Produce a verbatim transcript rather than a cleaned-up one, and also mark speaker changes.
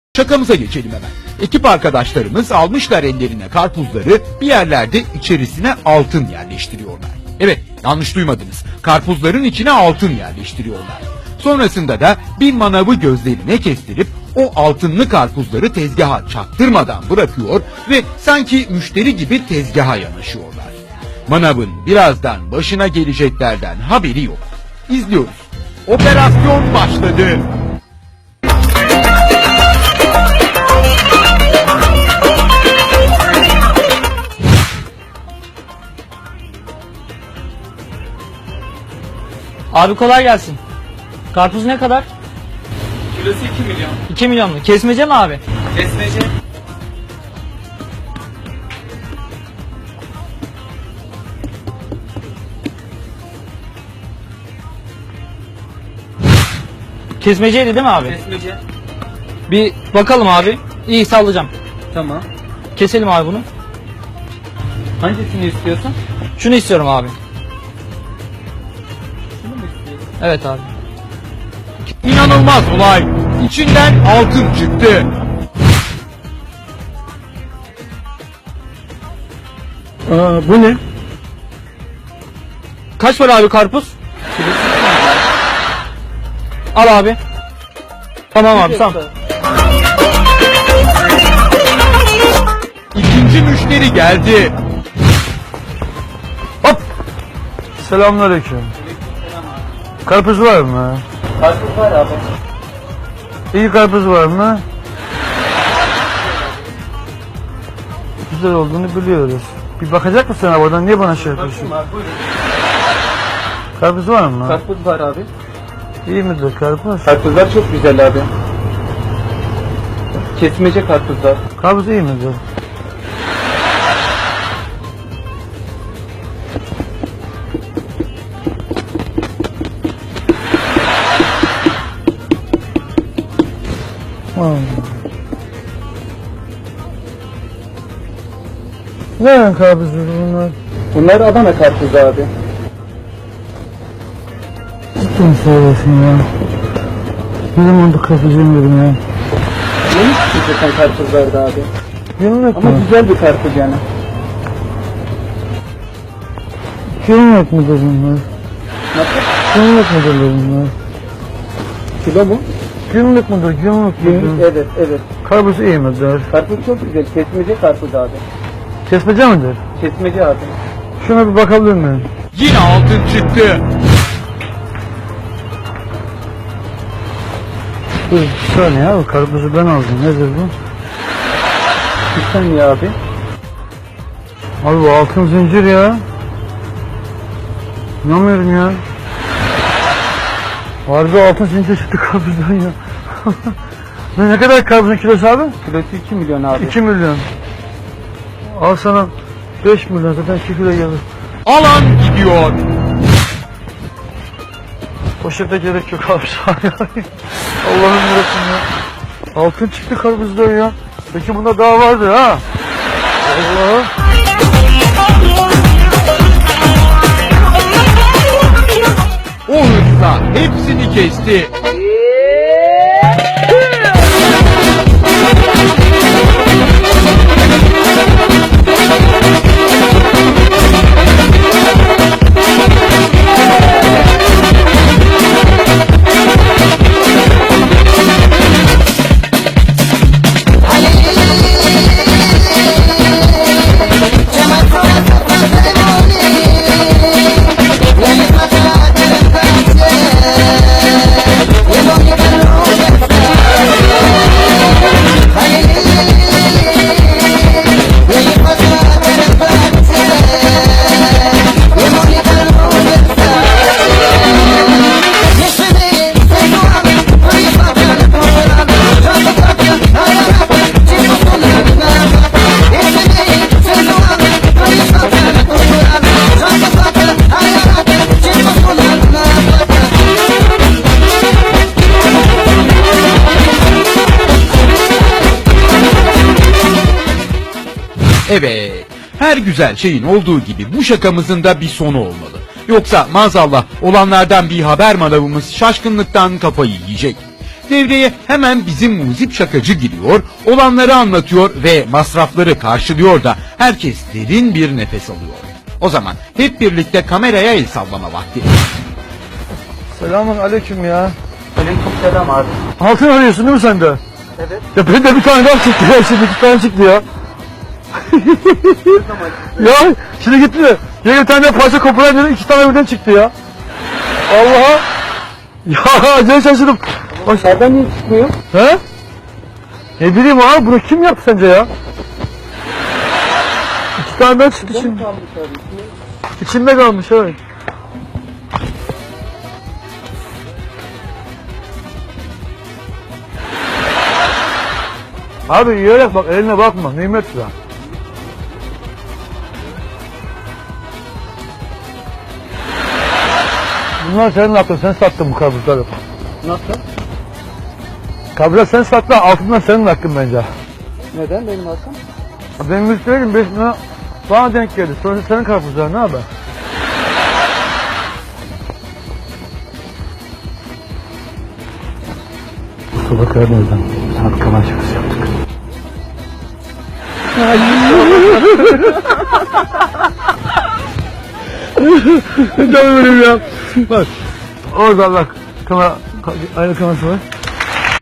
Speaker 1: Şakamıza geçelim hemen. Ekip arkadaşlarımız almışlar ellerine karpuzları, bir yerlerde içerisine altın yerleştiriyorlar. Evet, yanlış duymadınız. Karpuzların içine altın yerleştiriyorlar. Sonrasında da bir manavı gözlerine kestirip o altınlı karpuzları tezgaha çaktırmadan bırakıyor ve sanki müşteri gibi tezgaha yanaşıyorlar. Manavın birazdan başına geleceklerden haberi yok. İzliyoruz. Operasyon başladı.
Speaker 2: Abi kolay gelsin. Karpuz ne kadar?
Speaker 3: Kilosu iki milyon.
Speaker 2: iki milyon mu? Kesmece mi abi?
Speaker 3: Kesmece.
Speaker 2: Kesmeceydi değil mi abi?
Speaker 3: Kesmece.
Speaker 2: Bir bakalım abi. İyi, sallayacağım.
Speaker 3: Tamam.
Speaker 2: Keselim abi bunu.
Speaker 3: Hangisini istiyorsun?
Speaker 2: Şunu istiyorum abi.
Speaker 3: Şunu mu istiyorsun?
Speaker 2: Evet abi.
Speaker 1: İnanılmaz olay. İçinden altın çıktı.
Speaker 2: Aa, bu ne? Kaç para abi karpuz? Al abi. Tamam abi, tamam.
Speaker 1: İkinci müşteri geldi.
Speaker 4: Hop! Selamünaleyküm. Karpuz var mı?
Speaker 3: Karpuz var abi.
Speaker 4: İyi karpuz var mı? Güzel olduğunu biliyoruz. Bir bakacak mısın abi oradan? Niye bana şey yapıyorsun?
Speaker 3: Bakayım abi, buyurun.
Speaker 4: Karpuz var mı?
Speaker 3: Karpuz var abi.
Speaker 4: İyi midir karpuz?
Speaker 3: Karpuzlar çok güzel abi. Kesmece karpuzlar.
Speaker 4: Karpuz iyi midir? Hmm. Ne renk karpuzdur bunlar?
Speaker 3: Bunlar Adana karpuzu abi.
Speaker 4: Cidden söylüyorsun ya. Ne zamandır karpuz yemiyorum ya.
Speaker 3: Yeni çıkacak karpuzlarda abi.
Speaker 4: Yemek
Speaker 3: Ama
Speaker 4: mi?
Speaker 3: güzel bir karpuz yani.
Speaker 4: Yemek midir bunlar?
Speaker 3: Nasıl?
Speaker 4: Yemek midir bunlar?
Speaker 3: Kilo mu?
Speaker 4: Günlük müdür? Günlük
Speaker 3: Günlük,
Speaker 4: müdür?
Speaker 3: evet evet.
Speaker 4: Karpuz iyi midir?
Speaker 3: Karpuz çok güzel. Kesmece karpuz abi.
Speaker 4: Kesmece midir?
Speaker 3: Kesmece abi.
Speaker 4: Şuna bir bakabilir miyim?
Speaker 1: Yine altın çıktı.
Speaker 4: Dur bir saniye abi, karpuzu ben aldım. Nedir bu?
Speaker 3: Bir saniye abi.
Speaker 4: Abi bu altın zincir ya. İnanmıyorum ya. Harbi altın zincir çıktı karpuzdan ya. ne, ne kadar karpuzun kilosu abi?
Speaker 3: Kilosu iki milyon abi.
Speaker 4: iki milyon. Al sana beş milyon, zaten iki kilo gelir.
Speaker 1: Alan gidiyor.
Speaker 4: Poşete gerek yok abi. Allah'ım yarabbim ya. Altın çıktı karpuzdan ya. Peki bunda daha vardı ha. Allah.
Speaker 1: O hırsla hepsini kesti. Evet, her güzel şeyin olduğu gibi bu şakamızın da bir sonu olmalı. Yoksa maazallah olanlardan bir haber manavımız şaşkınlıktan kafayı yiyecek. Devreye hemen bizim muzip şakacı giriyor, olanları anlatıyor ve masrafları karşılıyor da herkes derin bir nefes alıyor. O zaman hep birlikte kameraya el sallama vakti.
Speaker 4: Selamun aleyküm ya.
Speaker 3: Aleykümselam abi.
Speaker 4: Altın arıyorsun değil mi sen de?
Speaker 3: Evet.
Speaker 4: Ya benim de bir tane daha çıktı ya. Şimdi iki tane çıktı ya. Ya şimdi gitti de. Yine bir tane daha parça koparan dedim. iki tane birden çıktı ya. Allah'a. Ya acayip şaşırdım. Bak,
Speaker 3: Nereden niye çıkmıyor?
Speaker 4: he? Ne bileyim abi bunu kim yaptı sence ya? İki tane daha çıktı
Speaker 3: Burada mı
Speaker 4: şimdi.
Speaker 3: kalmış abi? İçine-
Speaker 4: İçinde kalmış evet. Abi yiyerek bak, eline bakma, nimet ya. Bunlar senin hakkın, sen sattın bu karpuzları.
Speaker 3: Nasıl?
Speaker 4: Karpuzlar sen sattın, altından senin hakkın bence.
Speaker 3: Neden benim hakkım?
Speaker 4: Benim müşterim beş lira bana denk geldi, sonra senin karpuzlar ne haber? Kusura bakar nereden? Sana bir kalan şakası yaptık. Canım benim ya. Bak. Orada bak. Kamera, aynı kamerası var.